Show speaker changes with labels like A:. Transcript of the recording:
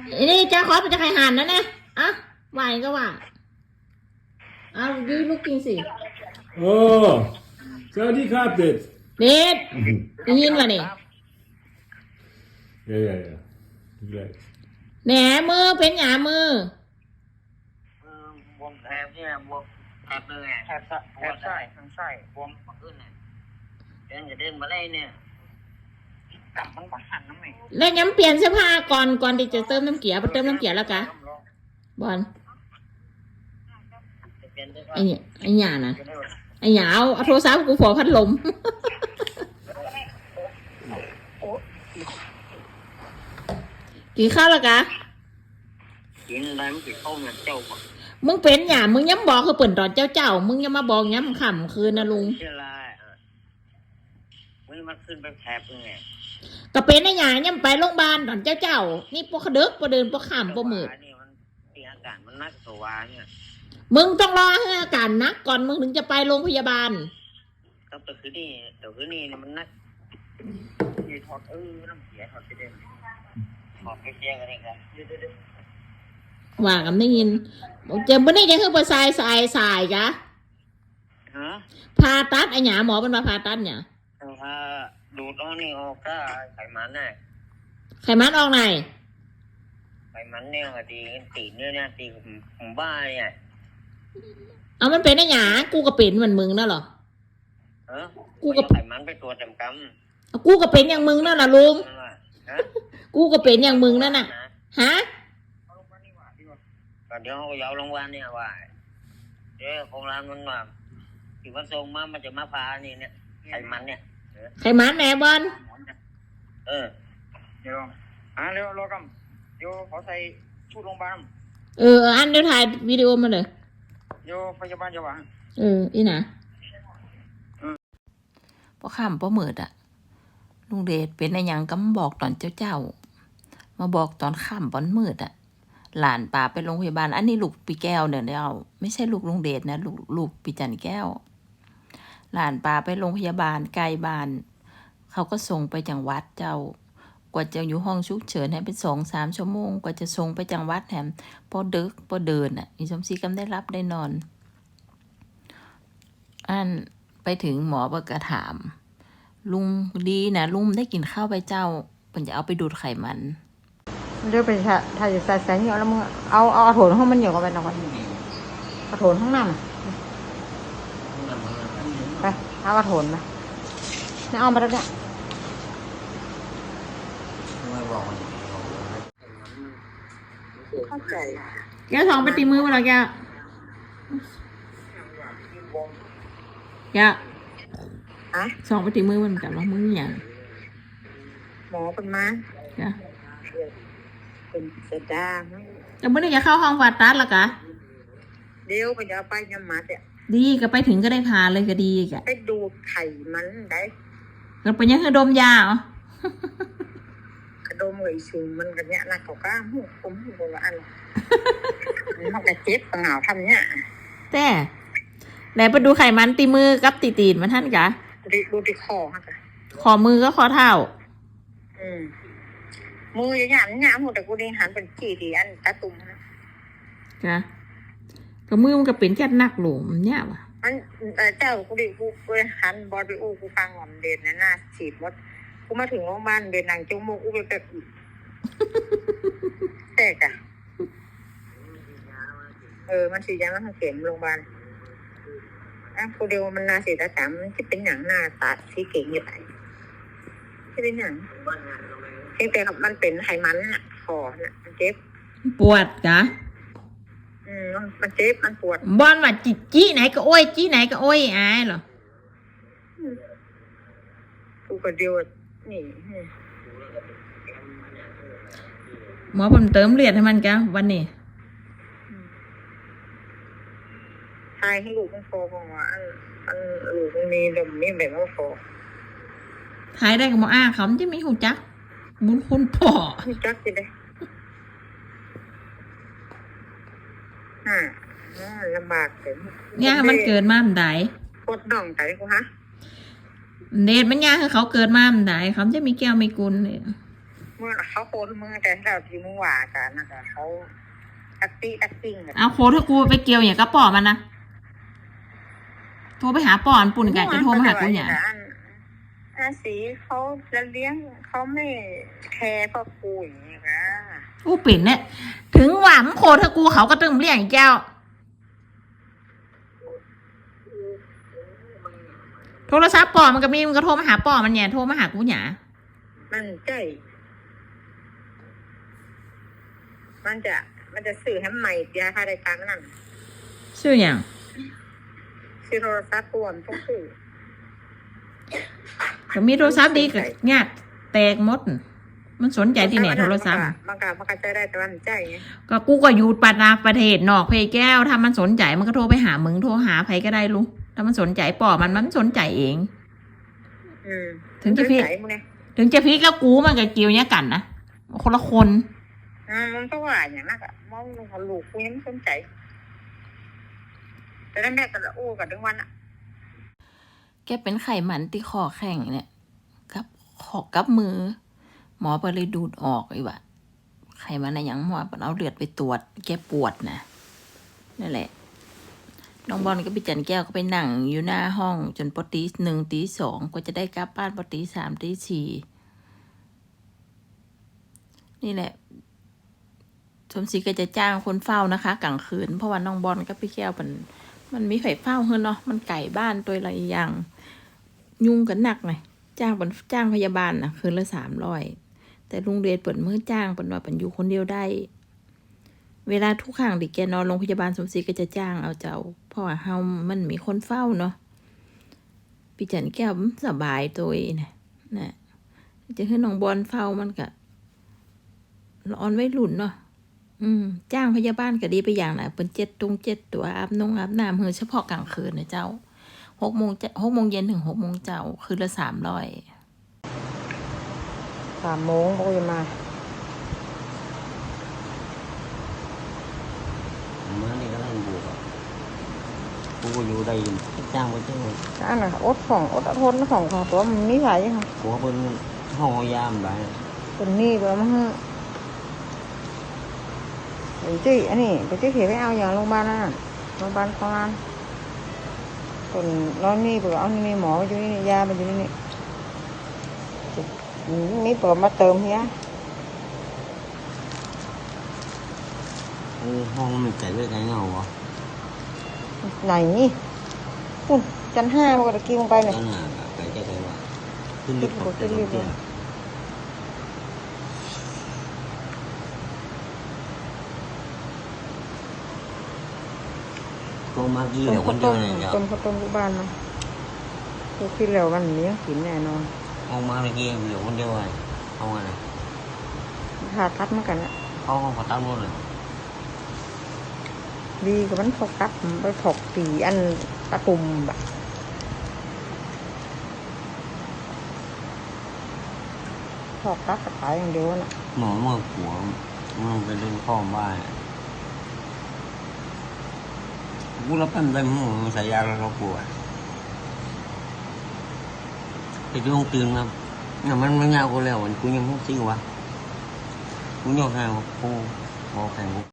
A: นี่จะขอเป็นจะใครหันนะเนี่ยอ่ะไหวก็ว่าเอายืดลูกกินสิ
B: โอ้สวัสดีครับเด็ด
A: เด็ดได้ยินป่ะนี่
B: yeah
A: แหนมือเป็นหยามือ
C: บวมแผลเนี่ยบวมแผลเลยแผลไส้ทางไส้บวมขึ้นเนี่ยเดินมาได้เนี่ยกลับมันก็หันน้ำไม่
A: แล้วย้ำเปลี่ยนเสื้อผ้าก่อนที่จะเติมน้ำเกลือไปเติมน้ำเกลือแล้วกะบอลไอ้หยาน่ะไอ้หยาเอาโทรศัพท์กูขอพัดลมกินข้าวแล้วกะ
C: กินอะไรมันกินข้าวเนี่ยเจ้า
A: มึงเป็นหยามึงย้ำบอกคือเปิ่นตอนเจ้ามึงย้ำมาบอกย้ำขำคืนนะลุง
C: เชื่อไรมันขึ้นไปแผลไง
A: ก็เป็นไอ้หยาย้ำไปโรงพยาบาลตอนเจ้านี่พวกเด็กพวกเดินพวกขำพวกมืด
C: นี่มันตีอาการมันนักตัวเนี่ย
A: มึงต้องรอให้อาการนักก่อนมึงถึงจะไปโรงพยาบาล
C: ก็ตัวคือนี่มันนักยีถอดน้ำเสียถอดไปเด่นถอดไปเสียกันเองกัน
A: ว่ากันได้ยินเจ็บไม่ได้จะคือไปสายกะผ่าตัดไอ้หยาหมอเป็นมาผ่าตัดเนี่ย
C: ดูดออกนี่ออกก็ไขมันน่ะ
A: ไขมันออกไหน
C: ไขมันเนี่ยดีตีเนี่ยตีผมบ้าเนี่ย
A: เอามันเป็นไอ้หยากูก็เป็นเหมือนมึงนั่นหรอ
C: กูก็ไขมันไปตัวจำก
A: ำกูก็เป็นอย่างมึงนั่นน่ะลุงกูก็เป็นอย่างมึงนั่นน่ะฮะ
C: เดี๋ยวเขาเอาลงวันเนี่ยว่าเดี๋ยวโครงการมันมาที่วันทรงมันจะมาพานี่เนี่ยไขมันเนี่ย
A: ไขมันแหนบอล
C: เดี๋ยวเร็วรอกันเดี๋ยวเขาใส่ชุดโรงพยาบาล
A: อันเดี๋ยวถ่ายวิดีโอมาเลย
C: เดี๋ยวพยาบาลจะว่า
A: อีน่ะพอค่ำพอมืดอ่ะลุงเดชเป็นอะไรอย่างก็มาบอกตอนเจ้ามาบอกตอนค่ำตอนมืดอ่ะหลานป่าไปโรงพยาบาลอันนี้ลูกปีแก้วเนี่ยไม่ใช่ลูกลุงเดชนะลูกปีจันแก้วหลานป่าไปโรงพยาบาลไกลบ้านเขาก็ส่งไปจังหวัดเจ้ากว่าจะอยู่ห้องฉุกเฉินให้เป็น2-3 ชั่วโมงกว่าจะส่งไปจังหวัดแถมพอดึกพอเดินอ่ะอีสมศรีกำได้รับได้นอนอันไปถึงหมอก็กระถามลุงดีนะลุงได้กินข้าวไปเจ้ามันจะเอาไปดูดไขมัน
D: เดี๋ยวไปถ่ายใส่แสงเยอะแล้วมึงเอาโถนห้องมันเยอะกว่าไปหน่อยเอาโถนห้องน้ำไปเอาโถนมาเนี่ยเอามาแล้วเนี่ย
A: เข้าใจแกสองไปตีมือมาแล้วแกสองไปตีมือมันกันว่ามืออย่าง
D: หมอเป็นมาเป็นเสดา
A: แต่เมื่อนี้จะเข้าห้องผ่าตัดแล้วกะ
D: เดี๋ยวไปจะไปยำมัดเนี่ย
A: ดีก็ไปถึงก็ได้พาเลยก็ดีแก
D: ไปดูไข่มันได้
A: ก็ไปยังคือดมยาเหร
D: อกระดมเลยสูงมันกันเนี้ยนักเขาก้าหูผมหูโบราณมันกระเจ็บกระเหงาทำเนี้ย
A: แต่ไหนไปดูไขมันตีมือกับตีนมันท่านกะ
D: ดูที่คอฮะกะ
A: ขอมือก็ขอเท้า
D: มืออย่างนี้หมดแต่กูได้หันเป็นกี่ดีอันตาตุ่มนะ
A: จ้ะก็มือมันก็เป็นแค่นักหลวมเนี่ยวะ
D: มันเจ้ากูดิกูหันบอลไปอู้กูฟังหอมเด่นนะหน้าฉีดมดกูมาถึงโรงพยาบาลเดินหนังจมูกอู้ไปแบบแตกอะมันฉีดยามันเข็มโรงพยาบาลกูเดียวมันนาสีตาสามที่เป็นหนังหน้าตาสีเก่งอยู่ไหนที่เป็นหนังเพียงแต่มันเป็นไขมันน่ะคอน่ะมันเจ็บ
A: ปวดจ้ะ
D: มันเจ็บมันปวด
A: บอลว่าจี้ไหนก็โอ้ยจี้ไหนก็โอ้ยอายเหรอ
D: กูก็เดียวนี่
A: หมอผมเติมเลือดให้มันแกวันนี้
D: ทายให้ลูกมันโฟของว่าอันลูกมันมีเดิมมีแบบว่าโฟ
A: ทายได้กับหมอเขาจะไม่หูจักบุญคุณพ่อ
D: หูจักสิได้ลำบากเลย
A: เนี่ยมันเกิดมามันได้
D: ปวดน่องใจกูฮะ
A: เดชมันยากคือเขาเกิดมามันได้เขาจะมีแก้วมีกุลเลย
D: เมื่อเขาโคนมือแต่เราที่มึงว่ากันนะคะเขาตักติ้ง
A: เอาโคถ้ากูไปเกี่ยวอย่างกระป๋อมันนะโทรไปหาป่อนปุ่นกันจะโทรมาหากูอย่าง
D: อันสีเขาจะเลี้ยงเขาไม่แคร์พ่อกูอย่างนี้ค่ะ
A: กูปิ่นเนี่ยถึงหวานโคถ้ากูเขาก็ตึงเรียกแก้วโทรศัพท์ป่อมันก็มีมันก็โทรมาหาป่อมันเนี่ยโทรมาหากูเนี่ยมันจะสื่อให้ใหม่เดียวค่ะรายการนั่นชื่ออย่าง
D: ซื้อโทรศัพท์ปวมต้องซื้อ
A: ก็มีโทรศัพท์ดีกับญาติแตกหมดมันสนใจที่ไหนโทรศัพท์
D: มันก็ใจได้แต่ว่ามันใจไง
A: ก็กูก็อยู่ประเทศนอกเพแก้วถ้ามันสนใจมันก็โทรไปหามึงโทรหาใครก็ได้ลุงถ้ามันสนใจป่อมันสนใจเองถึงจะพี่แล้วกูมันกับกิวเนี่ยกันนะคนละคน
D: มันก็ว่าอย่างนั้นอะมองลูกกูยังไม่สนใจแต่แม่ก็ละอู้กับทั้งวันอะ
A: แกเป็นไขมันที่คอแข็งเนี่ยกับมือหมอไปเลยดูดออกไอ้วะไขมันอะไรอย่างหมอเอาเลือดไปตรวจแกปวดนะนั่นแหละน้องบอลก็ไปจันแก้วก็ไปนั่งอยู่หน้าห้องจนปตีหนึ่งตีสองก็จะได้กลับบ้านปตีสามตีสี่นี่แหละสมศรีก็จะจ้างคนเฝ้านะคะกลางคืนเพราะว่าน้องบอลก็ไปแก้วมันมีไฟเฝ้าเฮ้เนาะมันไก่บ้านตัวอะไรอย่างยุ่งกันหนักไงจ้างพยาบาลนะคืนละ300แต่ลุงเดชเปิดมือจ้างเปิดว่าเป็นอยู่คนเดียวได้เวลาทุกครั้งที่แกนอนโรงพยาบาลสมศรีก็จะจ้างเอาเจ้าเพราะว่ามันมีคนเฝ้าเนาะพี่จันแก้วสบายตัวเองนะจะให้น้องบอลเฝ้ามันก็ร้อนไว้หลุนเนาะจ้างพยาบาลก็ดีไปอย่างนะเป็น7 ตัวอาบน้ำเฉพาะกลางคืนนะเจ้า6 โมงเย็นถึง6 โมงเจ้าคืนละ300
D: 3 โมงก็จะมา
C: นี่ก็เล่นบวกกูอยู่ได้จ้างไปจ้าง
D: อันน่ะอดทนของตัวมันไม่ไหวค่ะ
C: กูเป็นห้องยามไป
D: เป็นนี่ไปมั้งจี้อันนี้ไปจี้เขียไปเอาอย่างโรงพยาบาลนั่นโรงพยาบาลของร้านคนร้อนนี่เปิดเอานี่หมออยู่นี่ยามันอยู่นี่นี่เปิดมาเติมเฮีย
C: ห้องมันไก่ด้วยไก่เงาวะ
D: ไหนนี่คุณชั้น 5มันก็ตะกี้ลงไปเนี่ย
C: ไก่จะไก่วะขึ้นลิฟต์ขึ้นลิฟต์ก็มากี่เดี๋ยวคนเดียวเนี่ยเดี๋ยว
D: ต้มลูกบ้านเนาะกูคิดแล้ววันนี้กินแน่นอน
C: เอามาเมื่อกี้เดี๋ยวคนเดียวเลยเอาไง
D: ผ่าตัดเหมือนกันอะ
C: เขาผ่าตัดหมดเลย
D: ดีกับมันถกตัดไปถกตีอันตะตุ่มแบบถกตัดกระต่ายอย่างเดียวน่ะ
C: หมอเมื่อหัวมันไปดูข้อบ้านกูรับเป็นได้หมูใส่ยาแล้วเราปวดไปดูห้องตื่นครับเนี่ยมันไม่ยาวกูแล้วกูยังไม่ซิวะกูยกแข่งกูบอกแข่ง